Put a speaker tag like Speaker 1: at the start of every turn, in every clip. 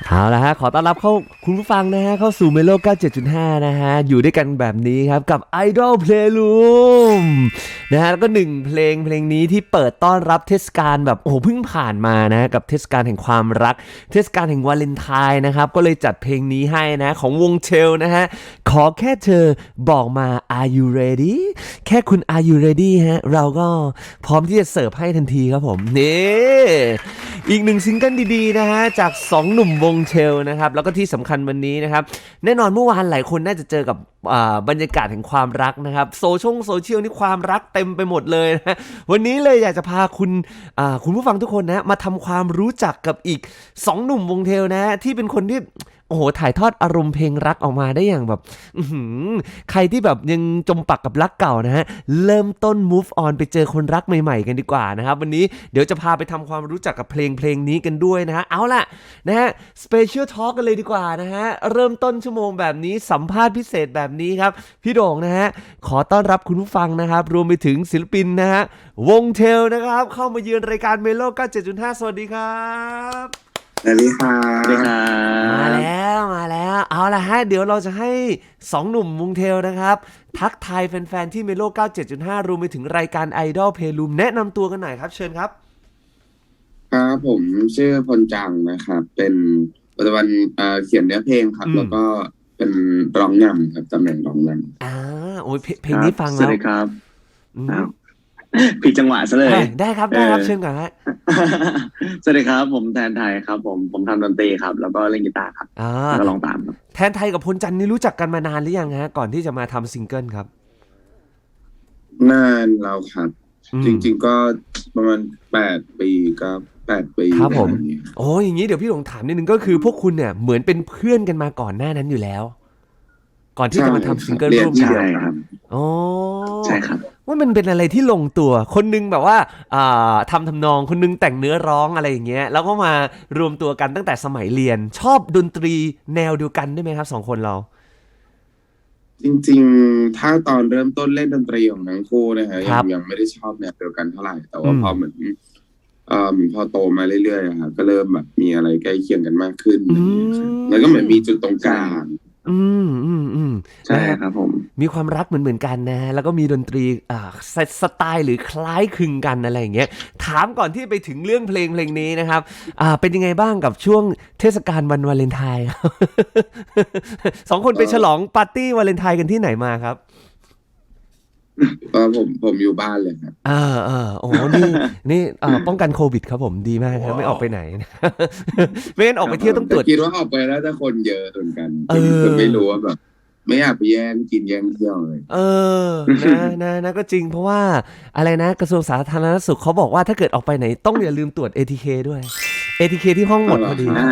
Speaker 1: เอาละฮะขอต้อนรับเข้าคุณผู้ฟังนะฮะเข้าสู่เมโล97.5นะฮะอยู่ด้วยกันแบบนี้ครับกับ Idol Playroom นะฮะแล้วก็หนึ่งเพลงนี้ที่เปิดต้อนรับเทศกาลแบบโอ้โหเพิ่งผ่านมานะกับเทศกาลแห่งความรักเทศกาลแห่งวาเลนไทน์นะครับก็เลยจัดเพลงนี้ให้นะของวงเชลนะฮะขอแค่เธอบอกมา Are you ready แค่คุณ Are you ready ฮะเราก็พร้อมที่จะเสิร์ฟให้ทันทีครับผมนี่อีกหนึ่งซิงเกิลดีๆนะฮะจาก2หนุ่มวงเชลนะครับแล้วก็ที่สำคัญวันนี้นะครับแน่นอนเมื่อวานหลายคนน่าจะเจอกับบรรยากาศแห่งความรักนะครับโซเชียลนี่ความรักเต็มไปหมดเลยนะวันนี้เลยอยากจะพาคุณผู้ฟังทุกคนนะมาทำความรู้จักกับอีก2หนุ่มวงเชลนะที่เป็นคนที่โอ้โหถ่ายทอดอารมณ์เพลงรักออกมาได้อย่างแบบใครที่แบบยังจมปักกับรักเก่านะฮะเริ่มต้น move on ไปเจอคนรักใหม่ๆกันดีกว่านะครับวันนี้เดี๋ยวจะพาไปทำความรู้จักกับเพลงนี้กันด้วยนะฮะเอาล่ะนะฮะ special talk กันเลยดีกว่านะฮะเริ่มต้นชั่วโมงแบบนี้สัมภาษณ์พิเศษแบบนี้ครับพี่โด่งนะฮะขอต้อนรับคุณผู้ฟังนะครับรวมไปถึงศิลปินนะฮะวงเทลนะครับเข้ามาเยือนรายการเมโล97.5 สวัสดีครับ
Speaker 2: สวัสดีครั
Speaker 3: สวัสดีค
Speaker 2: บ
Speaker 3: รั
Speaker 1: มา
Speaker 3: บ
Speaker 1: แล้วเอาละฮะเดี๋ยวเราจะให้2หนุ่มวงเทลนะครับทักทายแฟนๆที่เมโล97.5รวมไปถึงรายการ Idol Playroom แนะนำตัวกันหน่อยครับเชิญครับ
Speaker 2: ครับผมชื่อพลจังนะครับเป็นปัจจุบันเขียนเนื้อเพลงครับแล้วก็เป็นร้องนำครับตำแหน่งร้องน
Speaker 1: โอ้ยเพลงนี้ฟัง
Speaker 3: สวั
Speaker 1: แล้ว
Speaker 3: สดีครับ
Speaker 1: อืม
Speaker 3: อ้าวผิดจังหวะซะเลย
Speaker 1: ได้ครับเชิญก่อนฮะ
Speaker 3: สวัสดีครับผมแทนไทยครับผมทำดนตรีครับแล้วก็เล่นกีตาร์ครับ
Speaker 1: อ่า
Speaker 3: แล้วก็ร้องตามครับ
Speaker 1: แทนไทยกับพลจันทร์นี่รู้จักกันมานานหรือยังฮะก่อนที่จะมาทำซิงเกิลครับ
Speaker 2: ำนานแล้วครับจริงๆก็ประมาณ8 ปีก็8 ปี
Speaker 1: ครับผม
Speaker 2: แบบนี้
Speaker 1: โอ้ยอย่างนี้เดี๋ยวพี่หลงถามนิดนึงก็คือพวกคุณเนี่ยเหมือนเป็นเพื่อนกันมาก่อนหน้านั้นอยู่แล้วก่อนที่
Speaker 2: ใช่
Speaker 1: จะมา
Speaker 2: ครั
Speaker 1: ทำซิงเกิล
Speaker 2: บเรียน
Speaker 1: ร่วมกัน
Speaker 2: ที่เดี
Speaker 3: ใช่
Speaker 2: ยวกัน
Speaker 3: ครับ
Speaker 1: อ๋อ
Speaker 3: ใช่ครับ
Speaker 1: ว่ามันเป็นอะไรที่ลงตัวคนนึงแบบว่าทำนองคนนึงแต่งเนื้อร้องอะไรอย่างเงี้ยแล้วก็มารวมตัวกันตั้งแต่สมัยเรียนชอบดนตรีแนวเดียวกันได้ไหมครับ2 คนเรา
Speaker 2: จริงๆถ้าตอนเริ่มต้นเล่นดนตรีของทั้งคู่นะฮะ
Speaker 1: ครับ
Speaker 2: ยังไม่ได้ชอบแนวเดียวกันเท่าไหร่แต่
Speaker 1: อื
Speaker 2: ว่าพ
Speaker 1: ม
Speaker 2: อเหมือนพอโตมาเรื่อยๆอะครับก็เริ่มแบบมีอะไรใกล้เคียงกันมากขึ้น
Speaker 1: อื
Speaker 2: อย่างเงี้ยครับแล้วก็เหมือนมีจุดตรงก
Speaker 3: ใช่
Speaker 2: ลาง
Speaker 1: อืม
Speaker 3: ใช่
Speaker 1: นะฮะ
Speaker 3: ครับผม
Speaker 1: มีความรักเหมือนกันนะฮะแล้วก็มีดนตรีสไตล์หรือคล้ายคลึงกันอะไรอย่างเงี้ยถามก่อนที่ไปถึงเรื่องเพลงนี้นะครับเป็นยังไงบ้างกับช่วงเทศกาลวันวาเลนไทน์ครับ2 คนไป
Speaker 2: ก็
Speaker 1: ฉลองปาร์ตี้วาเลนไทน์กันที่ไหนมาครับ
Speaker 2: ผมอยู่บ้านเลยครับ
Speaker 1: โอ้โหนี่ป้องกันโควิดครับผมดีมากครับไม่ออกไปไหนไม่งั้นออกไปเที่ยวต้องต
Speaker 2: แต่
Speaker 1: รวจ
Speaker 2: คิดว่าออกไปแล้วจะคนเยอะเหมือนกัน
Speaker 1: เอ
Speaker 2: จนไม่
Speaker 1: อ
Speaker 2: รู้ว่าแบบไม่อยากไปแย่งกินแย่งเที่ยวเลย
Speaker 1: เออนะก็จริงเพราะว่าอะไรนะกระทรวงสาธารณสุขเขาบอกว่าถ้าเกิดออกไปไหนต้องอย่าลืมตรวจ ATK ด้วย ATK ที่ห้องหม
Speaker 2: เอาเหรอ
Speaker 1: ดพอดี
Speaker 3: อ่า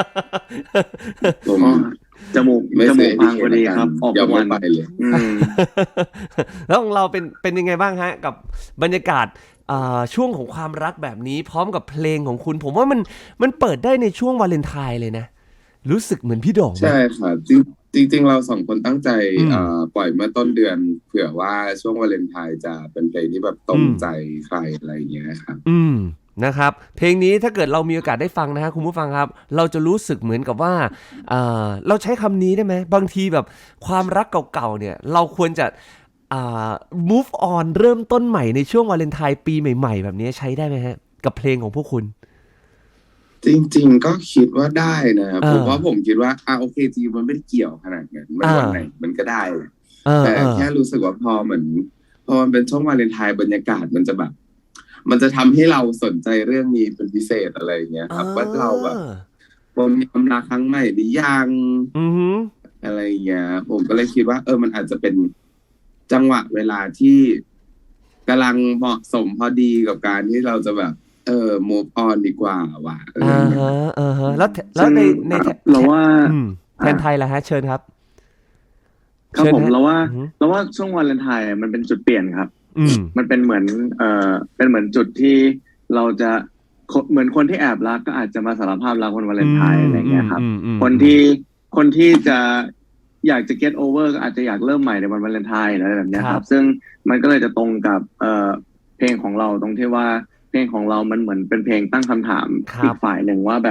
Speaker 2: ผม
Speaker 3: อ๋อจมูก
Speaker 2: ไม่ซื้อ
Speaker 3: พัง
Speaker 2: ATK
Speaker 3: พอดี
Speaker 2: ละกัน
Speaker 3: ครับออก
Speaker 2: ยอมไม่
Speaker 3: ทุกวัน
Speaker 2: ไปเลย
Speaker 3: อืม
Speaker 1: แล้วของเราเป็นยังไงบ้างฮะกับบรรยากาศช่วงของความรักแบบนี้พร้อมกับเพลงของคุณผมว่ามันเปิดได้ในช่วงวาเลนไทน์เลยนะรู้สึกเหมือนพี่โด่งไหม
Speaker 2: ใช่ค่ะจริงเราสองคนตั้งใจ
Speaker 1: อืม
Speaker 2: ปล่อยเมื่อต้นเดือนเผื่อว่าช่วงวาเลนไทน์จะเป็นเพลงที่แบบตร
Speaker 1: อืม
Speaker 2: งใจใครอะไรอย่างเงี้ยครับ
Speaker 1: อืมนะครับเพลงนี้ถ้าเกิดเรามีโอกาสได้ฟังนะฮะคุณผู้ฟังครับเราจะรู้สึกเหมือนกับว่าเราใช้คำนี้ได้ไหมบางทีแบบความรักเก่าๆเนี่ยเราควรจะอ่า move on เริ่มต้นใหม่ในช่วงวาเลนไทน์ปีใหม่ๆแบบนี้ใช้ได้ไหมฮะกับเพลงของพวกคุณ
Speaker 2: จริงๆก็คิดว่าได้นะครับ
Speaker 1: เออ
Speaker 2: ผมคิดว่าโอเคจริงมันไม่ได้เกี่ยวขนาดนั้นมัน
Speaker 1: เออ
Speaker 2: วันไหนมันก็ได้เลย
Speaker 1: เออ
Speaker 2: แต่
Speaker 1: เออ
Speaker 2: แค่รู้สึกว่าพอมันเป็นช่วงวาเลนไทน์บรรยากาศมันจะแบบ มันจะทำให้เราสนใจเรื่องนี้เป็นพิเศษอะไรอย่างเงี้ย
Speaker 1: เ
Speaker 2: ครับว่าเรา
Speaker 1: ออ
Speaker 2: แบบผมมีความรักครั้งใหม่หรือยัง
Speaker 1: อือหือ
Speaker 2: อะไรอย่างเงี้ยผมก็เลยคิดว่ามันอาจจะเป็นจังหวะเวลาที่กำลังเหมาะสมพอดีกับการที่เราจะแบบmove on ดีกว่าว่ะอะไร
Speaker 1: อ่า
Speaker 2: อย่างเงี้ย
Speaker 1: ฮะอ่าฮะแล้ว
Speaker 3: ซึ่ง
Speaker 1: ใน
Speaker 3: เราว่า
Speaker 1: อืมแท
Speaker 3: อ่า
Speaker 1: นไทยล่ะฮะเชิญครับ
Speaker 3: ครับผม
Speaker 1: เชิญฮะอือหือ
Speaker 3: เราว่าช่วงวาเลนไทน์มันเป็นจุดเปลี่ยนครับ
Speaker 1: อืม
Speaker 3: มันเป็นเหมือนเป็นเหมือนจุดที่เราจะเหมือนคนที่แอบรักก็อาจจะมาสารภาพรักวันวาเล
Speaker 1: อื
Speaker 3: นไทน์
Speaker 1: ม
Speaker 3: อะไร
Speaker 1: อืม
Speaker 3: เงี้ยครับ
Speaker 1: อืมอืม
Speaker 3: คน
Speaker 1: อืม
Speaker 3: ที่คนที่จะอยากจะ get over ก็อาจจะอยากเริ่มใหม่ในวันวาเลนไทน์อะไรแบบ
Speaker 1: ค
Speaker 3: เนี้ย
Speaker 1: รับ
Speaker 3: ครับซึ่งมันก็เลยจะตรงกับเพลงของเราตรงที่ว่าเพลงของเรามันเหมือนเป็นเพลงตั้งคำถามอีก
Speaker 1: ครับ
Speaker 3: ฝ่ายหนึ่งว่าแบบ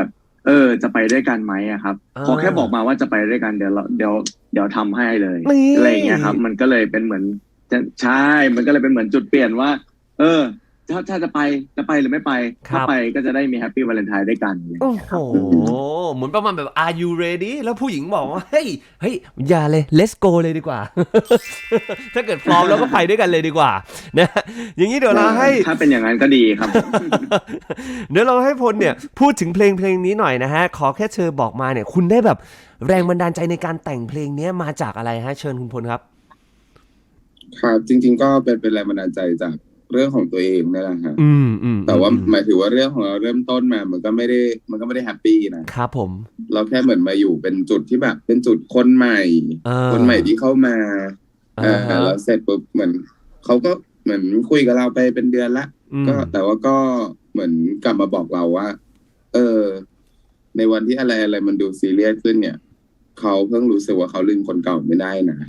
Speaker 3: จะไปด้วยกันไหมอะครับขอแค่บอกมาว่าจะไปด้วยกันเดี๋ยวทำให้เลย
Speaker 1: นี่
Speaker 3: อะไรอย่างเงี้ยครับมันก็เลยเป็นเหมือนใช่มันก็เลยเป็นเหมือนจุดเปลี่ยนว่า ถ้าจะไปหรือไม่ไปถ้าไปก็จะได้มีแฮปปี้วาเลนไทน์ด้วยกัน
Speaker 1: โอ้โหเหมือนประมาณแบบ Are you ready แล้วผู้หญิงบอกว่าเฮ้ยอย่าเลย let's go เลยดีกว่า ถ้าเกิดพร้อมแล้วก็ไปด้วยกันเลยดีกว่านะอย่างนี้เดี๋ยวเราให้
Speaker 3: ถ้าเป็นอย่างนั้นก็ดีครับ
Speaker 1: เดี๋ยวเราให้พลเนี่ยพูดถึงเพลงนี้หน่อยนะฮะขอแค่เธอบอกมาเนี่ยคุณได้แบบแรงบันดาลใจในการแต่งเพลงนี้มาจากอะไรฮะเชิญคุณพลครับ
Speaker 2: ครับจริงๆก็เป็นแรงบันดาลใจจากเรื่องของตัวเองนี่แหละฮะแต่ว่าหมายถึงว่าเรื่องของเราเริ่มต้นมามันก็ไม่ได้แฮปปี้นะครับ
Speaker 1: ผม
Speaker 2: เราแค่เหมือนมาอยู่เป็นจุดที่แบบเป็นจุดคนใหม่ที่เข้ามาแล้วเสร็จปุ๊บเหมือนเขาก็เหมือนคุยกับเราไปเป็นเดือนละก็แต่ว่าก็เหมือนกลับมาบอกเราว่าในวันที่อะไรมันดูซีเรียสขึ้นเนี่ยเขาเพิ่งรู้สึกว่าเขาลืมคนเก่าไม่ได้นะ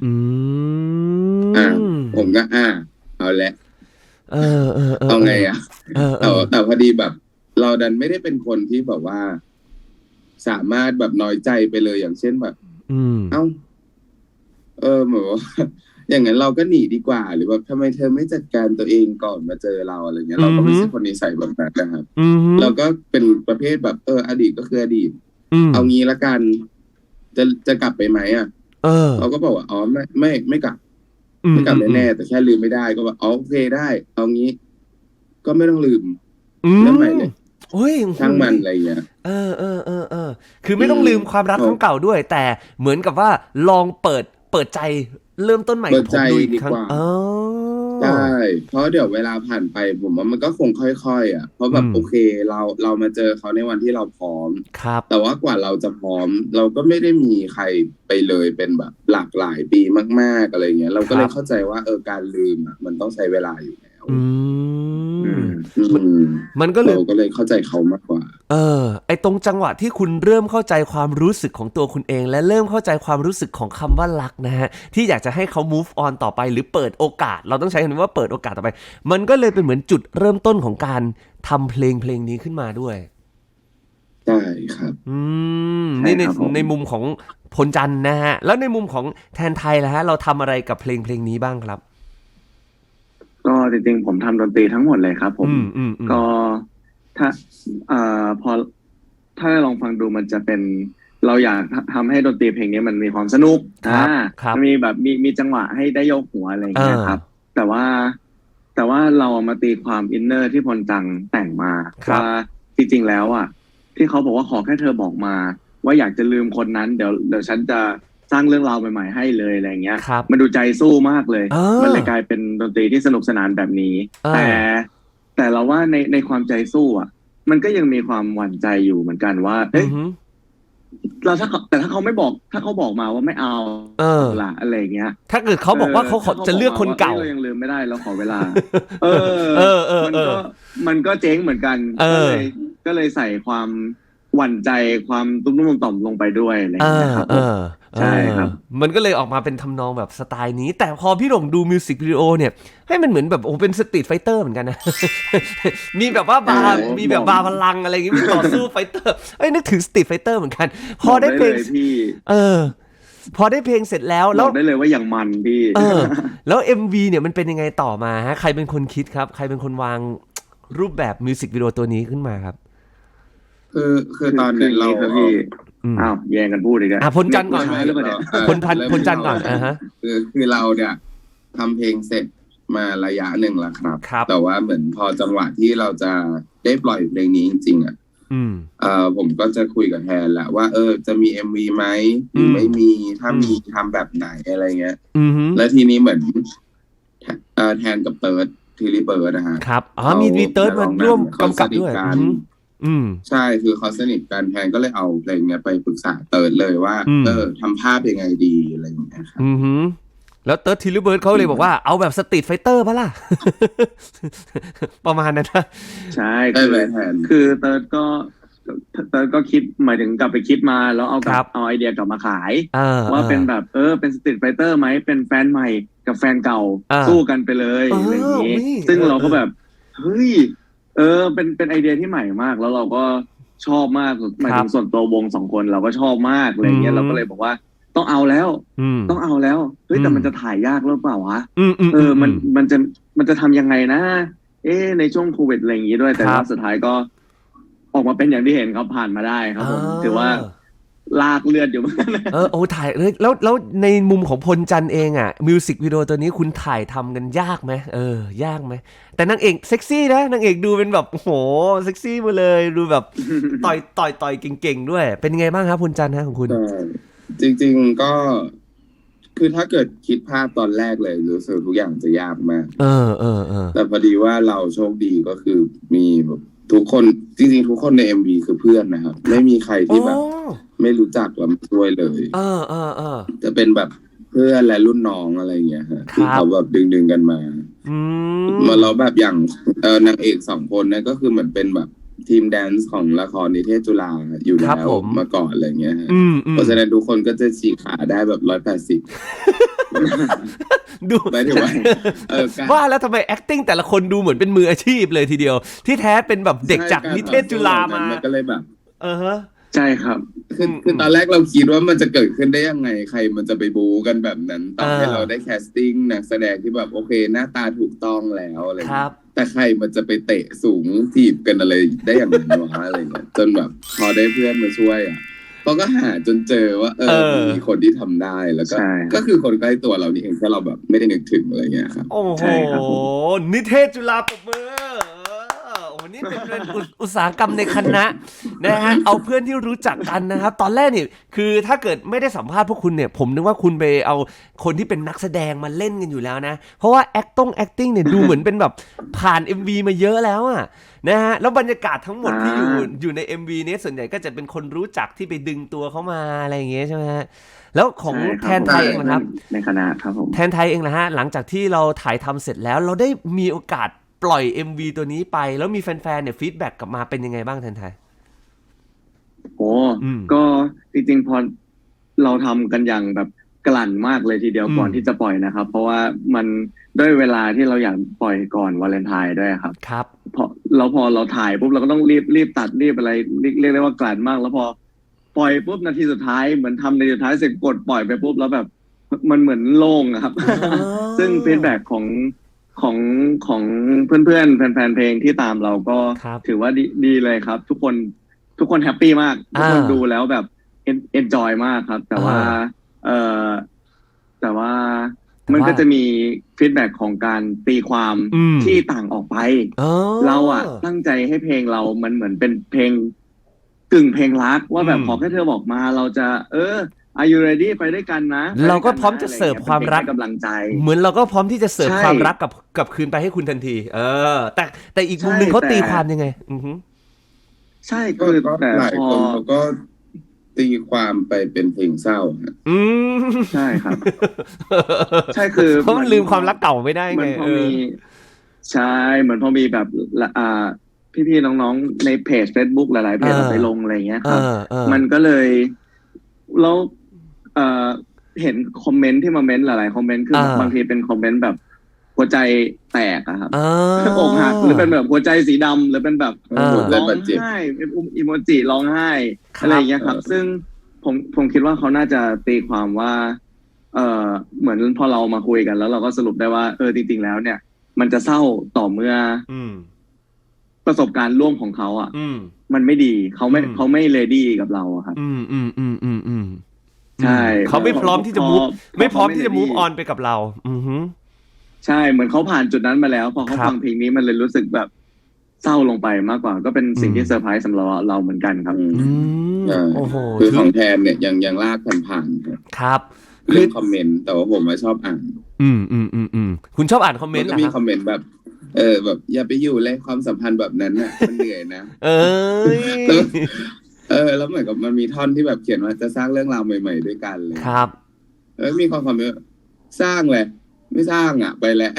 Speaker 2: ผมก็เอาละเอาไงแต่พอดีแบบเราดันไม่ได้เป็นคนที่แบบว่าสามารถแบบน้อยใจไปเลยอย่างเช่นแบบเหมือนว่าอย่างนั้นเราก็หนีดีกว่าหรือแบบทำไมเธอไม่จัดการตัวเองก่อนมาเจอเราอะไรเงี้ยเราก็ไม่ใช่คนนิสัยแบบนั้นนะครับเราก็เป็นประเภทแบบอดีตก็คืออดีตเอางี้ละกันจะกลับไปไหมเราก็บอกว่าอ๋อไม่กลับแน่ๆแต่แค่ลืมไม่ได้ก็แบบโอเคได้เอางี้ก็ไม่ต้องลืมเรื่องใหม่เลยช่างมันอะไรเงี้ย
Speaker 1: คือไม่ต้องลืมความรักครั้งเก่าด้วยแต่เหมือนกับว่าลองเปิดใจเริ่มต้นใหม่กับผมดูอีกครั้ง
Speaker 2: ใช่เพราะเดี๋ยวเวลาผ่านไปผมว่ามันก็คงค่อยๆเพราะแบบโอเคเรามาเจอเขาในวันที่เราพร้อมแต่ว่ากว่าเราจะพร้อมเราก็ไม่ได้มีใครไปเลยเป็นแบบหลากหลายปีมากๆอะไรเงี้ยเราก็เลยเข้าใจว่าการลืมมันต้องใช้เวลาอยู่แล้ว
Speaker 1: มันก็
Speaker 2: เลยเข้าใจเขามากกว่า
Speaker 1: ไอตรงจังหวะที่คุณเริ่มเข้าใจความรู้สึกของตัวคุณเองและเริ่มเข้าใจความรู้สึกของคำว่ารักนะฮะที่อยากจะให้เขา move on ต่อไปหรือเปิดโอกาสเราต้องใช้คำว่าเปิดโอกาสต่อไปมันก็เลยเป็นเหมือนจุดเริ่มต้นของการทำเพลงนี้ขึ้นมาด้วย
Speaker 2: ใช่ครับ
Speaker 1: นี่ในมุมของพลจันทร์นะฮะแล้วในมุมของแทนไทยล่ะฮะเราทำอะไรกับเพลงนี้บ้างครับ
Speaker 3: ก็จริงๆผมทำดนตรีทั้งหมดเลยครับผมก็ถ้าพอถ้าลองฟังดูมันจะเป็นเราอยากทำให้ดนตรีเพลงนี้มันมีความสนุกมีแบบมีจังหวะให้ได้ยกหัวอะไรอย่างเงี้ยครับแต่ว่าเรามาตีความอินเนอร์ที่พลจังแต่งมาว่าจริงๆแล้วที่เขาบอกว่าขอแค่เธอบอกมาว่าอยากจะลืมคนนั้นเดี๋ยวฉันจะสร้างเรื่องราวใหม่ๆให้เลยอะไรเงี้ยมันดูใจสู้มากเลยมันเลยกลายเป็นดนตรีที่สนุกสนานแบบนี้แต่เราว่าในความใจสู้มันก็ยังมีความหวั่นใจอยู่เหมือนกันว่าเราถ้าเขาไม่บอกถ้าเขาบอกมาว่าไม่เอาล่ะอะไรเงี้ย
Speaker 1: ถ้าเกิดเขาบอกว่าเขาจะเลือกคนเก่า
Speaker 3: เรายังลืมไม่ได้เราขอเวลามันก็เจ๊งเหมือนกันก็เลยใส่ความหวั่นใจความตุ้มๆต่อมลงไปด้วยอะไรอย่างเงี้ยครับใช่ครับ
Speaker 1: มันก็เลยออกมาเป็นทำนองแบบสไตล์นี้แต่พอพี่หลงดูมิวสิกวิดีโอเนี่ยให้มันเหมือนแบบเป็นสตรีทไฟเตอร์เหมือนกันนะมีแบบว่ามีแบบบาร์พลังอะไรอย่างงี้มีต่อสู้ไฟเตอร์นึกถึงสตรีทไฟเตอร์เหมือนกันพอได้เพลงพอได้เพลงเสร็จแล้ว
Speaker 3: ได้เลยว่าอย่างมันพี่
Speaker 1: แล้ว MV เนี่ยมันเป็นยังไงต่อมาฮะใครเป็นคนคิดครับใครเป็นคนวางรูปแบบมิวสิกวิดีโอตัวนี้ขึ้นมาครับ
Speaker 2: คือตอนนี้เรา
Speaker 3: แย่งกันพูดอีกแล้ว
Speaker 1: พลจันทร์ก่อนพลจันทร์ก่อน
Speaker 2: คือเราเนี่ยทำเพลงเสร็จมาระยะหนึ่งแล้วครับแต่ว่าเหมือนพอจังหวะที่เราจะได้ปล่อยเพลงนี้จริงๆผมก็จะคุยกับแทนแหละว่าจะมี MV ไหมหรือไม่มีถ้ามีทำแบบไหนอะไรเงี้ยแล้วทีนี้เหมือนแทนกับเติร์ดทีรีเบิร์ดนะฮะ
Speaker 1: ครับมีเติร์ดมาร่วมกำกับด้วย
Speaker 2: ใช่คือเขาสนิทกันแทนก็เลยเอาเพลงเนี้ยไปปรึกษาเติร์ดเลยว่าทำภาพยังไงดีอะไรอย่างเงี้ยครับ
Speaker 1: แล้วเติร์ดทีรีเบิร์ดเขาเลยบอกว่าเอาแบบสตรีทไฟเตอร์ป่ะล่ะประมาณนั้นนะ
Speaker 3: ใช่คือเติร์ดก็คิดหมายถึงกลับไปคิดมาแล้วเอาไอเดียกลับมาขายว่าเป็นแบบเป็นสตรีทไฟเตอร์ไหมเป็นแฟนใหม่กับแฟนเก่าสู้กันไปเลยอะไรอย่างนี้ซึ่งเราก็แบบเฮ้ยเป็นไอเดียที่ใหม่มากแล้วเราก็ชอบมากหมายถึงส่วนตัววง2 คนเราก็ชอบมากอะไรเงี้ยเราก็เลยบอกว่าต้องเอาแล้วต้องเอาแล้วเฮ้ยแต่มันจะถ่ายยากหรือเปล่าวะมันจะทำยังไงนะในช่วงโควิดอะไรอย่างงี้ด้วยแต่ว่าสุดท้ายก็ออกมาเป็นอย่างที่เห็นครับผ่านมาได้ครับผมถือว่าลากเลือดอยู่เหมือนกัน
Speaker 1: โอ้ถ่ายแล้วในมุมของพลจันทร์เองอ่ะมิวสิกวิดีโอตัวนี้คุณถ่ายทำกันยากไหมยากไหมแต่นางเอกเซ็กซี่นะนางเอกดูเป็นแบบโหเซ็กซี่มาเลยดูแบบต่อยเก่งๆด้วยเป็นไงบ้างครับพลจันทร์ฮะของคุณ
Speaker 2: จริงๆก็คือถ้าเกิดคิดภาพตอนแรกเลยรู้สึกทุกอย่างจะยากมากแต่พอดีว่าเราโชคดีก็คือมีแบบทุกคนจริงๆทุกคนใน MV คือเพื่อนนะครับไม่มีใครที่แบบไม่รู้จักแล้วมาช่วยเลยจะเป็นแบบเพื่อนและรุ่นน้องอะไรอย่างเงี้ยฮะที่เขาแบบดึงกันมาแล้วแบบอย่างนางเอก2 คนเนี่ยก็คือเหมือนเป็นแบบทีมแดนซ์ของละครนิเทศจุฬาอยู่แล้วมาก่อนอะไรเงี้ยฮะเพราะฉะนั้นทุกคนก็จะฉีกขาได้แบบ180ดูไม่ถึง
Speaker 1: ว่าแล้วทำไม acting แต่ละคนดูเหมือนเป็นมืออาชีพเลยทีเดียวที่แท้เป็นแบบเด็กจากนิเทศจุฬามา
Speaker 2: ก็เลยแบบ
Speaker 3: ใช่ครับ
Speaker 2: คือตอนแรกเราคิดว่ามันจะเกิดขึ้นได้ยังไงใครมันจะไปบูกันแบบนั้นต่อให้เราได้แคสติ้งนักแสดงที่แบบโอเคหน้าตาถูกต้องแล้วอะไรแต่ใครมันจะไปเตะสูงถีบกันอะไรได้อย่างนั้นวะอะไรเงี้ยจนแบบพอได้เพื่อนมาช่วยเขาก็หาจนเจอว่ามีคนที่ทำได้แล้วก็คือคนใกล้ตัวเรานี่เองแค่เราแบบไม่ได้นึกถึงอะไรเงี้ยครับ
Speaker 1: โอ้โหนิเทศจุฬาปรบมือนี่เป็นอุตสาหกรรมในคณะนะฮะเอาเพื่อนที่รู้จักกันนะครับตอนแรกนี่คือถ้าเกิดไม่ได้สัมภาษณ์พวกคุณเนี่ยผมนึกว่าคุณไปเอาคนที่เป็นนักแสดงมาเล่นกันอยู่แล้วนะเพราะว่า acting เนี่ยดูเหมือนเป็นแบบผ่าน MV มาเยอะแล้วอ่ะนะฮะแล้วบรรยากาศทั้งหมดที่อยู่ใน MV นี้ส่วนใหญ่ก็จะเป็นคนรู้จักที่ไปดึงตัวเขามาอะไรอย่างเงี้ยใช่ไหมฮะแล้วของแทนไทยเองนะครับ
Speaker 3: ในคณะครับผม
Speaker 1: แทนไทยเองนะฮะหลังจากที่เราถ่ายทำเสร็จแล้วเราได้มีโอกาสปล่อย MV ตัวนี้ไปแล้วมีแฟนๆเนี่ยฟีดแบ็กกลับมาเป็นยังไงบ้างแทนไทย
Speaker 3: ก็จริงๆพอเราทำกันอย่างแบบกลั่นมากเลยทีเดียวก่อนที่จะปล่อยนะครับเพราะว่ามันด้วยเวลาที่เราอยากปล่อยก่อนวาเลนไทน์ด้วยครับพอเราถ่ายปุ๊บเราก็ต้องรีบตัดรีบอะไรเรียกได้ว่ากลั่นมากแล้วพอปล่อยปุ๊บนาทีสุดท้ายเหมือนทำในสุดท้ายเสร็จกดปล่อยไปปุ๊บแล้วแบบมันเหมือนโล่งครับซึ่งฟีดแบ็กของเพื่อนๆแฟนๆเพลงที่ตามเราก็ถือว่าดีเลยครับทุกคนแฮปปี้มากทุกคนดูแล้วแบบเอนจอยมากครับแต่ว่ามันก็จะมีฟีดแบ็กของการตีความที่ต่างออกไปเราตั้งใจให้เพลงเรามันเหมือนเป็นเพลงกึ่งเพลงรักว่าแบบขอแค่เธอบอกมาเราจะAre you ready ไปด้วยกันนะ
Speaker 1: เราก็พร้อมจะเสิร์ฟความรัก
Speaker 3: กำลังใจ
Speaker 1: เหมือนเราก็พร้อมที่จะเสิร์ฟความรักกับคืนไปให้คุณทันทีแต่อีกมุมนึงเขาตีความยังไง
Speaker 3: ใช่คือ
Speaker 2: แต่หลายคนเขาก็ตีความไปเป็นเพลงเศร้า
Speaker 3: ใช่ครับใช่คือ
Speaker 1: เพราะมันลืมความรักเก่าไม่ได้ไง
Speaker 3: ใช่เหมือนพอมีแบบพี่ๆน้องๆในเพจ Facebook หลายๆเพจไปลงอะไรเงี้ยครับมันก็เลยแล้วเห็นคอมเมนต์ที่มาเม้นหลายๆคอมเมนต์คือบางทีเป็นคอมเมนต์แบบหัวใจแตกอะครับอกหักหรือเป็นแบบหัวใจสีดำหรือเป็นแบบร้องไห้เป็นอีโมจิร้องไห้อะไรอย่างเงี้ยครับซึ่งผมคิดว่าเขาน่าจะตีความว่าเหมือนพอเรามาคุยกันแล้วเราก็สรุปได้ว่าจริงๆแล้วเนี่ยมันจะเศร้าต่อเมื่อประสบการณ์ร่วมของเขามันไม่ดีเขาไม่เรดี้กับเราครับใช่
Speaker 1: เขาไม่พร้อมที่จะมูฟออนไปกับเรา
Speaker 3: ใช่เหมือนเขาผ่านจุดนั้นมาแล้วพอเขาฟังเพลงนี้มันเลยรู้สึกแบบเศร้าลงไปมากกว่าก็เป็นสิ่งที่เซอร์ไพรส์สำหรับเราเหมือนกันครับ
Speaker 2: คือของแทนเนี่ยยังลากผ่าน
Speaker 1: ครับ
Speaker 2: เรื่องคอมเมนต์แต่ว่าผมไม่ชอบอ่าน
Speaker 1: คุณชอบอ่านคอมเมนต์
Speaker 2: เหรอครับก็มีคอมเมนต์แบบแบบอย่าไปอยู่เลยความสัมพันธ์แบบนั้นน่ะมันเหนื่อยนะแล้วเหมือนกับมันมีท่อนที่แบบเขียนว่าจะสร้างเรื่องราวใหม่ๆด้วยกันเลย
Speaker 1: ครับ
Speaker 2: มีความคอมเมนต์สร้างเลยไม่สร้างไปแล้ว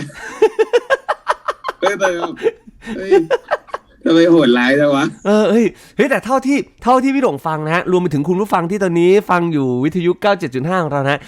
Speaker 2: แต่ทำไมโหดร้ายจังวะ
Speaker 1: เฮ้ยแต่เท่าที่พี่หลงฟังนะฮะรวมไปถึงคุณผู้ฟังที่ตอนนี้ฟังอยู่วิทยุ 97.5 ของเรานะ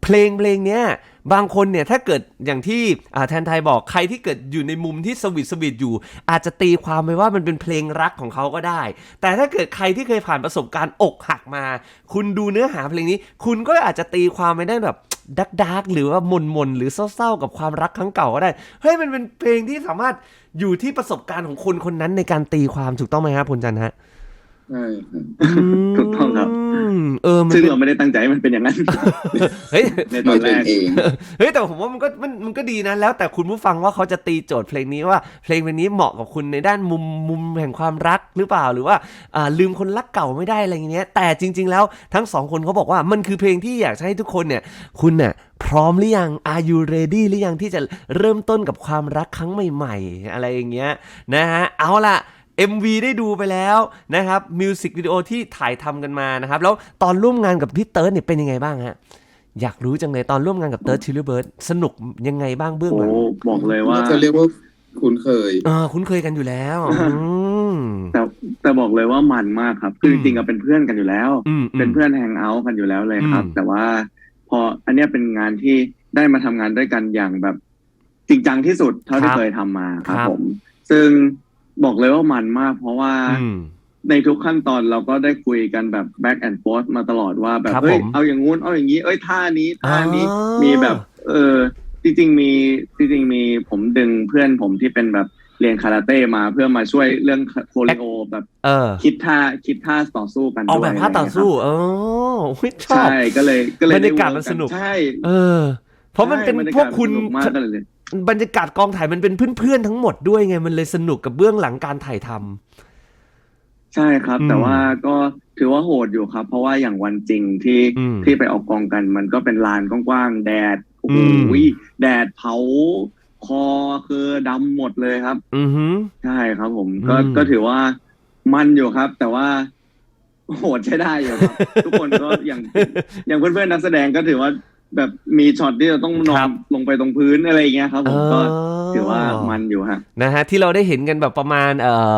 Speaker 1: เพลงเนี้ยบางคนเนี่ยถ้าเกิดอย่างที่แทนไทยบอกใครที่เกิดอยู่ในมุมที่สวีทอยู่อาจจะตีความไปว่ามันเป็นเพลงรักของเขาก็ได้แต่ถ้าเกิดใครที่เคยผ่านประสบการณ์อกหักมาคุณดูเนื้อหาเพลงนี้คุณก็อาจจะตีความไปได้แบบดาร์กหรือว่าหม่นหรือเศร้าๆกับความรักครั้งเก่าก็ได้เฮ้ยมันเป็นเพลงที่สามารถอยู่ที่ประสบการณ์ของคนคนนั้นในการตีความถูกต้องไหมครับพลจันทร์ฮะ
Speaker 2: ใช่ครับ
Speaker 3: ถูกต้องครับซึ่งเราไม่ได้ตั้งใจให้มันเป็นอย่างนั้น
Speaker 1: เฮ้ย
Speaker 3: ในตอนแรก
Speaker 1: เฮ้ยแต่ผมว่ามันก็ดีนะแล้วแต่คุณผู้ฟังว่าเขาจะตีโจทย์เพลงนี้ว่าเพลงนี้เหมาะกับคุณในด้านมุมแห่งความรักหรือเปล่าหรือว่าลืมคนรักเก่าไม่ได้อะไรอย่างเงี้ยแต่จริงๆแล้วทั้งสองคนเขาบอกว่ามันคือเพลงที่อยากให้ทุกคนเนี่ยคุณเนี่ยพร้อมหรือยัง Are you ready หรือยังที่จะเริ่มต้นกับความรักครั้งใหม่ๆอะไรอย่างเงี้ยนะฮะเอาล่ะMV ได้ดูไปแล้วนะครับมิวสิกวิดีโอที่ถ่ายทำกันมานะครับแล้วตอนร่วมงานกับพี่เติร์ดเนี่ยเป็นยังไงบ้างฮะอยากรู้จังเลยตอนร่วมงานกับเติร์ดชิลลี่เบิร์ดสนุกยังไงบ้างเบื้องหลัง
Speaker 3: บอกเลยว่า
Speaker 2: จะเรียกว่าคุ้นเคย
Speaker 1: คุ้นเคยกันอยู่แล้ว
Speaker 3: แต่บอกเลยว่ามันมากครับคือจริงๆเป็นเพื่อนกันอยู่แล้วเป็นเพื่อนแฮงเอาท์กันอยู่แล้วเลยครับแต่ว่าพออันนี้เป็นงานที่ได้มาทำงานด้วยกันอย่างแบบจริงจังที่สุดเท่าที่เคยทำมาครับผมซึ่งบอกเลยว่ามันมากเพราะว่าในทุกขั้นตอนเราก็ได้คุยกันแบบ back and forth มาตลอดว่าแบบเฮ้ยเอาอย่างงู้นเอาอย่างนี้ท่านี้มีแบบจริงๆมีผมดึงเพื่อนผมที่เป็นแบบเรียนคาราเต้มาเพื่อมาช่วยเรื่องโคเรโอแบบคิดท่าต่อสู้กันด้วย
Speaker 1: เอาแบบท่าต่อสู้ชอบ
Speaker 3: ใช่ก็เลย
Speaker 1: บรรยากาศมันสนุก
Speaker 3: ใช่
Speaker 1: เพราะมันเป็นพวกคุณบรรยากาศกองถ่ายมันเป็นเพื่อนๆทั้งหมดด้วยไงมันเลยสนุกกับเบื้องหลังการถ่ายท
Speaker 3: ำใช่ครับแต่ว่าก็ถือว่าโหดอยู่ครับเพราะว่าอย่างวันจริงที่ไปออกกองกันมันก็เป็นลานกว้างๆแดดโอ้โหแดดเผาคอคือดำหมดเลยครับใช่ครับผมก็ถือว่ามันอยู่ครับแต่ว่าโหดใช้ได้อยู่ครับทุกคนก็อย่างเพื่อนๆนักแสดงก็ถือว่าแบบมีช็อตที่เราต้องนอนลงไปตรงพื้นอะไรอย่างเงี้ยครับผมก็ถือว่ามันอยู่ฮะ
Speaker 1: นะฮะที่เราได้เห็นกันแบบประมาณ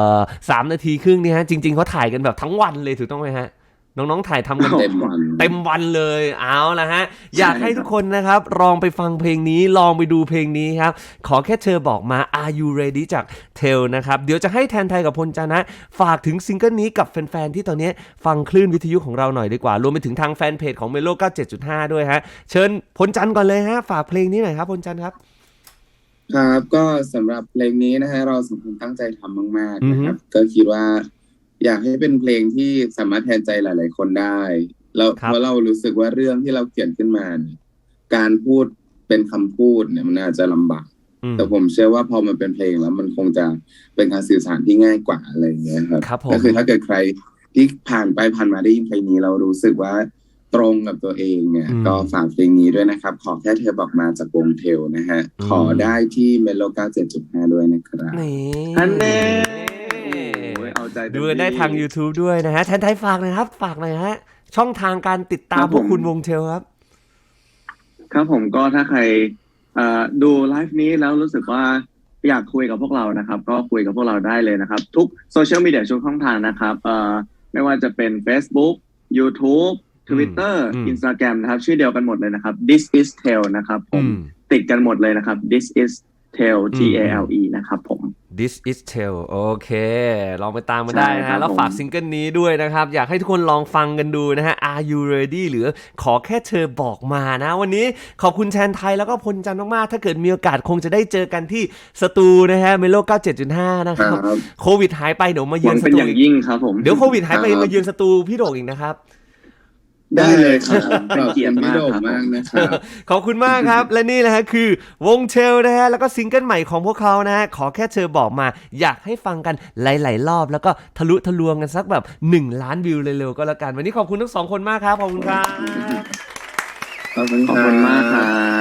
Speaker 1: 3 นาทีครึ่งนี่ฮะจริงๆเขาถ่ายกันแบบทั้งวันเลยถูกต้องไหมฮะน้องๆถ่ายทำกันเต็มวันเลยเอาละฮะอยากให้ทุกคนนะครับลองไปฟังเพลงนี้ลองไปดูเพลงนี้ครับขอแค่เธอบอกมา Are you ready จากเทลนะครับเดี๋ยวจะให้แทนไทยกับพลจันทร์นะฝากถึงซิงเกิลนี้กับแฟนๆที่ตอนนี้ฟังคลื่นวิทยุของเราหน่อยดีกว่ารวมไปถึงทางแฟนเพจของ Melo 97.5 ด้วยฮะเชิญพลจันทร์ก่อนเลยฮะฝากเพลงนี้หน่อยครับพลจันทร์ครับ
Speaker 2: ครับก็สำหรับเพลงนี้นะฮะเราสองคนตั้งใจทำมากๆนะครับก็คิดว่าอยากให้เป็นเพลงที่สามารถแทนใจหลายๆคนได้แล้วเพราะเรารู้สึกว่าเรื่องที่เราเขียนขึ้นมาการพูดเป็นคำพูดเนี่ยมันอาจจะลำบากแต่ผมเชื่อว่าพอมันเป็นเพลงแล้วมันคงจะเป็นการสื่อสารที่ง่ายกว่าอะไรอย่างเงี้ยครับก็คือถ้าเกิดใครที่ผ่านมาได้ยินเพลงนี้เรารู้สึกว่าตรงกับตัวเองเนี่ยก็ฝากเพลงนี้ด้วยนะครับขอแค่เธอบอกมาจากวงเทลนะฮะขอได้ที่เมโล 97.5 ด้วยนะครับ
Speaker 3: อันเน่
Speaker 1: ดูได้ทาง YouTube ด้วยนะฮะแทนไทยฝากหน่อยครับฝากหน่อยฮะช่องทางการติดตามพวกคุณวงเทลครับ
Speaker 3: ครับผมก็ถ้าใครดูไลฟ์นี้แล้วรู้สึกว่าอยากคุยกับพวกเรานะครับก็คุยกับพวกเราได้เลยนะครับทุกโซเชียลมีเดียทุกช่องทางนะครับไม่ว่าจะเป็น Facebook YouTube Twitter Instagram นะครับชื่อเดียวกันหมดเลยนะครับ This is Tale นะครับผมติดกันหมดเลยนะครับ This is Tale TALE นะครับผม
Speaker 1: This is Tale โอเคลองไปตามมาได้นะแล้วฝากซิงเกิลนี้ด้วยนะครับอยากให้ทุกคนลองฟังกันดูนะฮะ Are you ready หรือขอแค่เธอบอกมานะวันนี้ขอบคุณแทนไทยแล้วก็พลจันทร์มากๆถ้าเกิดมีโอกาสคงจะได้เจอกันที่สตูนะฮะ Melo 97.5 นะครับโควิดหายไปเดี๋ยวมาเยือนสตู
Speaker 3: อย่างยิ่งครับผม
Speaker 1: เดี๋ยวโควิดหายไปมาเยือนสตูพี่โด่งอีกนะครับ
Speaker 2: ได้เลยครับเป็นเกียรติมากนะครับ
Speaker 1: ขอบคุณมากครับและนี่นะฮะคือวงเทลนะฮะแล้วก็ซิงเกิลใหม่ของพวกเขานะฮะขอแค่เธอบอกมาอยากให้ฟังกันหลายๆรอบแล้วก็ทะลุทะลวงกันสักแบบ1 ล้านวิวเร็วๆก็แล้วกันวันนี้ขอบคุณทั้ง2คนมากครับขอบคุณครับ
Speaker 3: ขอบคุณมากครับ